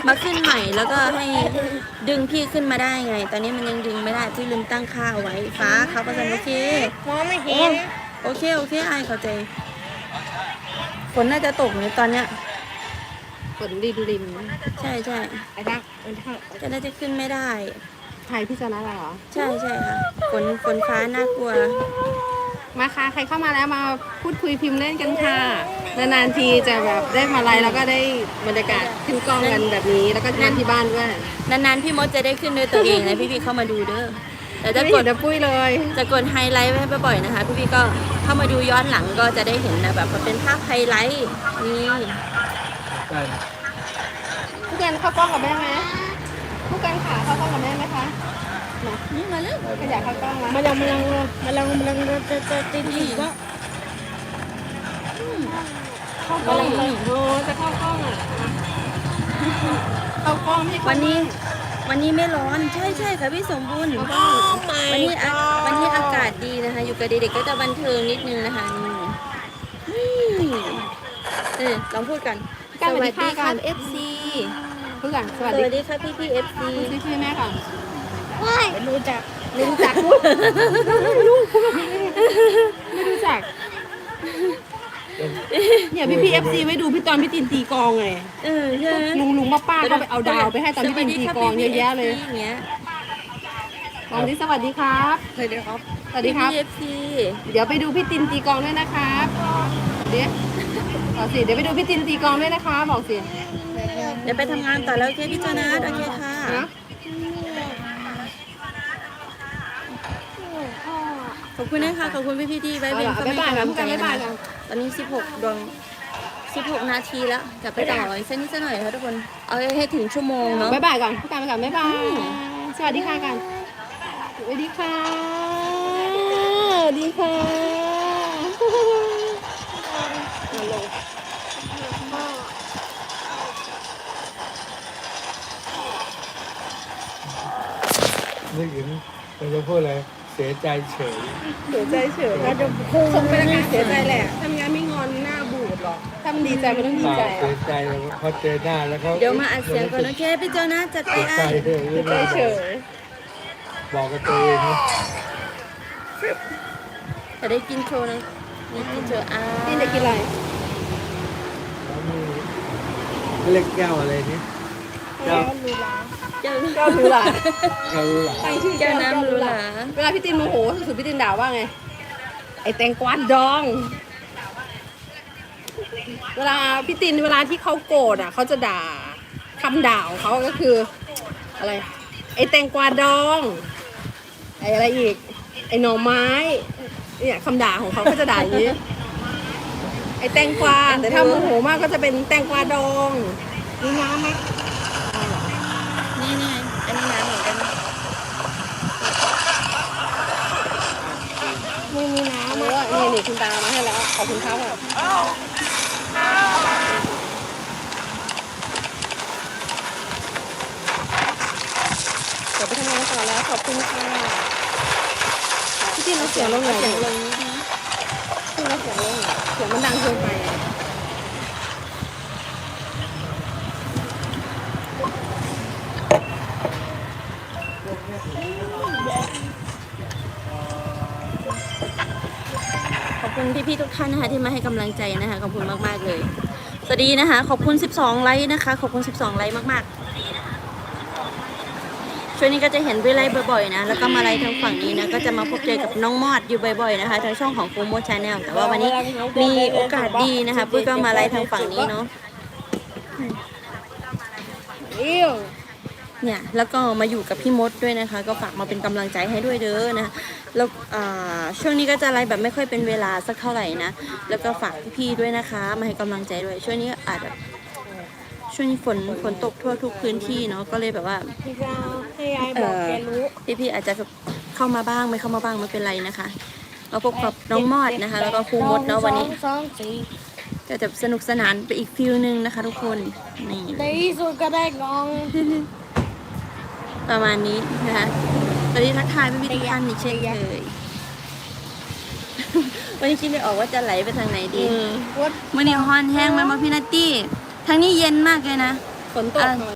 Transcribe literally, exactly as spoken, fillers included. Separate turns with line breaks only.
มาขึ้นใหม่แล้วก็ให้ดึงพี่ขึ้นมาได้ไง ตอนนี้มันยังดึงไม่ได้พี่ลืมตั้งค่าเอาไว้ฟ้าเขาประสานโอเค
มองไม่เห็น
โอเคโอเคไอเข้าใจฝนน่าจะตกในตอนเนี้ย
ฝนริมริม
ใช่ใช่
ไอ้ทักไอ้ทัก
จะน่าจะขึ้นไม่ได้
ไทยพี่ชนะเหรอ
ใช่ใช่ค่ะฝนฝนฟ้าน่ากลัว
มาค่ะใครเข้ามาแล้วมาพูดคุยพิมพ์เล่นกันค่ะนานๆทีจะแบบได้มาไลฟ์แล้วก็ได้บรรยากาศขึ้นกล้องกันแบบนี้แล้วก็งานที่บ้านด้วย
นานๆพี่มดจะได้ขึ้นด้วยตัวเองนะพี่พี่เข้ามาดูเด้อแต่จะ
ไม่
ก
เห็
ด
นนะปุ้ยเลย
จะกดไฮไลท์ไว้ให้บ่อยๆนะคะพี่พี่ก็เข้ามาดูย้อนหลังก็จะได้เห็นนะแบบมันเป็นภาพไฮไลท์นี่
ผู้การเข้ากล้องกับแม่ไหมผู้การขาเข้ากล้องกับแม่ไหมคะ
นี่มาเลย
ขยะเข้ากล้องมา
มาลังมาลังมาลังมาลังจะจะติดอีกว่า
เข้ากล้องเลยโอ้จะเข้ากล้องอ่ะเข้ากล้องไม่เข้า
วันนี้วันนี้ไม่ร้อนใช่ใช่ค่ะพี่สมบูรณ์
เข้ากล้อง
วันนี้อะวันนี้อากาศดีนะคะ อยู่กับเด็กๆก็จะบันเทิงนิดนึงนะคะนี่นี่เออลองพูดกันสวัสดีครับ เอฟ ซี
ผู้การสวัส
ส
ดี
วัสดีครับพี่พี่เอฟซี
ชื่อชื่อแม่ก่อน
ไม่รู้จัก
ไม่รู้จักพูดไม่รู้พูดแบบนี้ไม่รู้จักเนี่ยพี่พี่เอฟซีไว้ดูพี่ตอนพี่ตินตีกองไง
เออใช่ไหม
ลุงลุงป้าป้าก็ไปเอาดาวไปให้ตอนพี่ตินตีกองเยอะแยะเลย
สวัสดีครับพี่
กองที่สวัสดีครับ
สวัสดีครับ
สวัสดีครับ
พี่เอฟซี
เดี๋ยวไปดูพี่ตินตีกองด้วยนะครับเดี๋ยวบอกสิเดี๋ยวไปดูพี่ตินตีกองด้วยนะคะบอกสิ
เดี๋ยวไปทำงานต่อแล้วโอเคพี่โจนัสโอเคค่ะ
นะ
ขอบคุณนะคะขอบคุณพี่พี่ๆที่ไว้เป็น
บ๊ายบายกันผู้การบ๊ายบายกัน
ตอนนี้สิบหกดวงสิบหกนาทีแล้วจะไปต่ออีกสักนิดสักหน่อยค่ะทุกคนเอาให้ถึงชั่วโมงเนาะ
บ๊ายบายก่อนผู้การไปก่อนบ๊ายบายสวัสดีค่ะกันสวัสดีค่ะสวัสดีค่ะมาลง
นึกถึงเราจะพูดอะไรเสียใจเฉย
เสียใจเฉย
เราจะพุ่ง
คงเป็นอาการเสียใจแหละทำงานไม่งอนหน้าบูดหรอกถ้ามันดีใจมันต้องดี
เปล่า
ใจ
เสียใจแล้วพอเจอหน้าแล้วเขา
เดี๋ยวมาอัดเสียงก่อนโอเคพี่โจนัสจัดไป
เสีย
ไอ้
ใจเลย
เสียใจเฉย
บอกกับตัวเองนะ
จะได้กินโชว์นะนี่กินโชว์อ่า
นี่จะกินอะไร
แล้วมีเล็กแก้วอะไรนี่แก้ว
แก้ว
แก้วหรูหรา
แก้วรู้หรอ
ตั้งชื่อ
แก้
แก้
ว
ว
น้ำ
น้ำ
ห
ห
รู
รู
ห
ห
รา
ราเวลาพี่ตินโมโหสุดๆพี่ตินด่าว่าไงไอ้แตงกวาดอง เวลาพี่ตินเวลาที่เขาโกรธอ่ะเขาจะด่าคำด่าของเขาก็คือ อะไร ไอ้แตงกวาดอง ไอ้อะไรอีก ไอ้หน่อไม้เนี่ยคำด่าของเขาก็จะด่าอย่างนี้ ไอ้แตงกวาแต่ถ้าโมโหมากก็จะเป็นแตงกวาดองมีน้ำไหม
นี่นี่อันนี้น้ำเหมือนกัน
ไม่มีน้ำอ่ะนี่นี่คุณตามาให้แล้วขอบคุณครับเดี๋ยวไปทำงานต่อแล้วขอบคุณค่ะพี่ตินเราเสียงลงหน่อย
เสียงล
ดิ
งนิดนึง
พี่เราเสียงลงหน่อยเสียงมันดังเกินไปอะ
ขอบคุณพี่ๆทุกท่านนะคะที่มาให้กำลังใจนะคะขอบคุณมากๆเลยสวัสดีนะคะขอบคุณสิบสองไลค์นะคะขอบคุณสิบสองไลค์มากๆช่วงนี้ก็จะเห็นวิไลฟ์บ่อยๆนะแล้วก็มาไลฟ์ทางฝั่งนี้นะก็จะมาพบเจอกับน้องมอดอยู่บ่อยๆนะคะทางช่องของฟูโมชาแนลแต่ว่าวันนี้มีโอกาสดีนะคะปุ้ยก็มาไลฟ์ทางฝั่งนี้เนาะ
เอี้ยว
เนี่ยแล้วก็มาอยู่กับพี่มดด้วยนะคะ ก็ฝากมาเป็นกำลังใจให้ด้วยเด้อนะแล้วอ่าช่วงนี้ก็จะไลฟ์แบบไม่ค่อยเป็นเวลาสักเท่าไหร่นะแล้วก็ฝากพี่ๆด้วยนะคะ มาให้กำลังใจด้วยช่วงนี้อาจแบบช่วงนี้ฝนฝนตกทั่วทุกพื้นที่เนาะก็เลยแบบว่า
พี่จะให้ยายบอกแกรู้
พี่ๆอาจจะเข้ามาบ้างไม่เข้ามาบ้างไม่เป็นไรนะคะเราพบกับน้องมอดนะคะ แล้วก็ครูมดเนาะวันนี้
สองสี่
ก็จะสนุกสนานไปอีกฟิลนึงนะคะ ทุกคนนี่
ในที่สุดก็ได้กอง
ประมาณนี้นะคะตอนนี้ทักทายพี่ๆทุกท่านอีกเช่นเคย วันนี้คิดไม่ออกว่าจะไหลไปทางไหนดี
วัด
มื่อนี้ฮอนแห้งไหมมาพี่นัตตี้ทางนี้เย็นมากเลยนะ
ฝนตก